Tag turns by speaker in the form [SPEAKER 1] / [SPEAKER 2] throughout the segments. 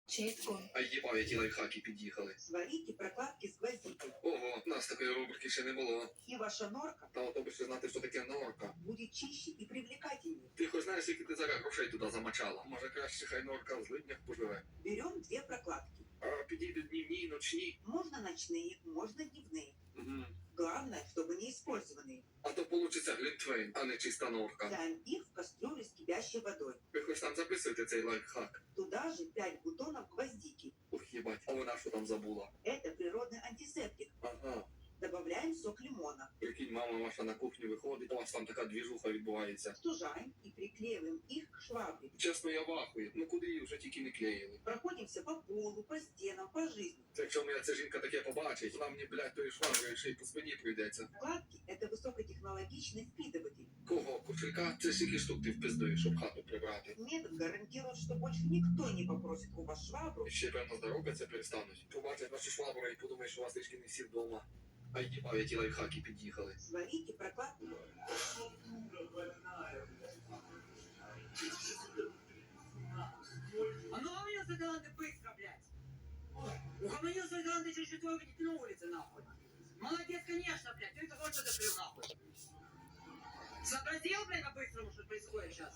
[SPEAKER 1] Чітко.
[SPEAKER 2] А їбав, які лайфхаки під'їхали.
[SPEAKER 3] Сварите прокладки с гвоздикой.
[SPEAKER 2] Ого, нас такої рубрики ще не було.
[SPEAKER 3] И ваша норка
[SPEAKER 2] Та ото би ще знати, що таке норка.
[SPEAKER 3] будет чище и привлекательнее.
[SPEAKER 2] Ти хоч знаєш, скільки ти зараз грошей туди замачала? Може краще хай норка в злиднях поживе.
[SPEAKER 3] Берем 2 прокладки.
[SPEAKER 2] А підійдуть днівні і ночні.
[SPEAKER 3] Можно ночные, можно дневные.
[SPEAKER 2] Угу.
[SPEAKER 3] Главное, чтобы не использованные.
[SPEAKER 2] А то получиться глінтвейн, а не чиста норка.
[SPEAKER 3] Ставим их в кастрюлю с кипящей водой.
[SPEAKER 2] Ви хоч там записуєте цей лайфхак?
[SPEAKER 3] Туда же 5 бутонов гвоздики.
[SPEAKER 2] Ух, їбать, а вона що там забула?
[SPEAKER 3] Это природный антисептик.
[SPEAKER 2] Ага.
[SPEAKER 3] Добавляем сок лимона.
[SPEAKER 2] Прикинь, мама ваша на кухню виходить, у вас там така двіжуха відбувається.
[SPEAKER 3] Стужаем и приклеиваем их к швабре.
[SPEAKER 2] Чесно, я вахую. Ну куди її вже тільки не клеїли.
[SPEAKER 3] Проходимся по полу, по стенам, по жизни.
[SPEAKER 2] Це якщо моя ця жінка таке побачить, вона мені, блядь, тої швабри ще й по спині прийдеться.
[SPEAKER 3] Прокладки – это высокотехнологичный впитыватель.
[SPEAKER 2] Кого? Кошелька? Це скільки штук ти впиздуєш, щоб хату прибрати.
[SPEAKER 3] Метод гарантирует, что больше никто не попросит у вас швабру.
[SPEAKER 2] І ще, певно, здоровкаться перестануть. Побачать вашу швабру і подумають, що у вас трішки не всі вдома. А їбав, які лайфхаки під'їхали.
[SPEAKER 3] Сварите прокладку.
[SPEAKER 4] А ну угомонился таланты быстро, блядь! Угомонился таланты через четверку не на улице, нахуй! Молодец, конечно, блядь, ты это вот что закрыл, нахуй! Сообразил, блядь, по-быстрому, что происходит сейчас?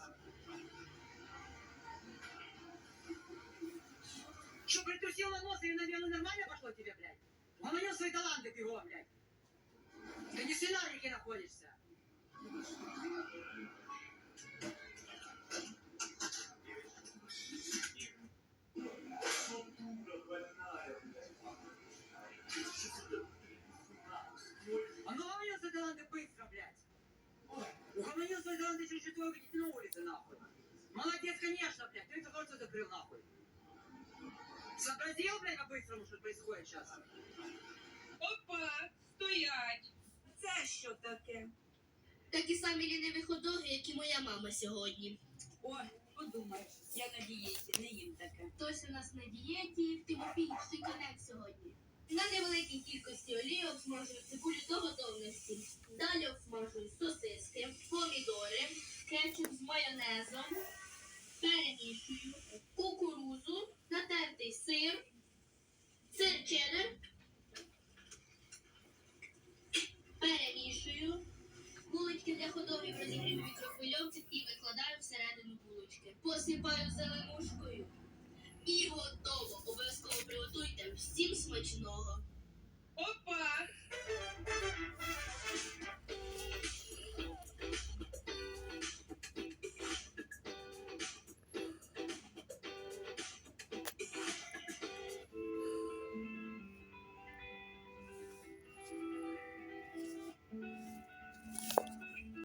[SPEAKER 4] Что, притрусил на нос или, наверное, нормально пошло тебе, блядь? Угомонил свои таланты бегом, блядь! Ты не в свинарнике находишься! А ну угомонился таланты быстро, блядь! Угомонился таланты через четверку не на улице, нахуй! Молодец, конечно, блядь, ты это вот что закрыл, нахуй! Сообразил, блядь, по-быстрому, что происходит сейчас?
[SPEAKER 5] Опа, стоять!
[SPEAKER 3] Це що таке?
[SPEAKER 1] Такі самі ліниві ходоги, як і моя мама сьогодні.
[SPEAKER 5] Ой, подумай, я на дієті, не їм таке.
[SPEAKER 1] Хтось у нас на дієті, Тимофій Шиканець сьогодні. На невеликій кількості олії обсмажую цибулю до готовності. Далі обсмажую сосиски, помідори, кетчуп з майонезом, перемішую, кукурузу, натертий сир, сир чеддер, перемішую, булочки для ходовів розігрію в мікрохвильовці і викладаю всередину булочки. Посипаю зеленушкою. І готово. Обов'язково приготуйте. Всім смачного!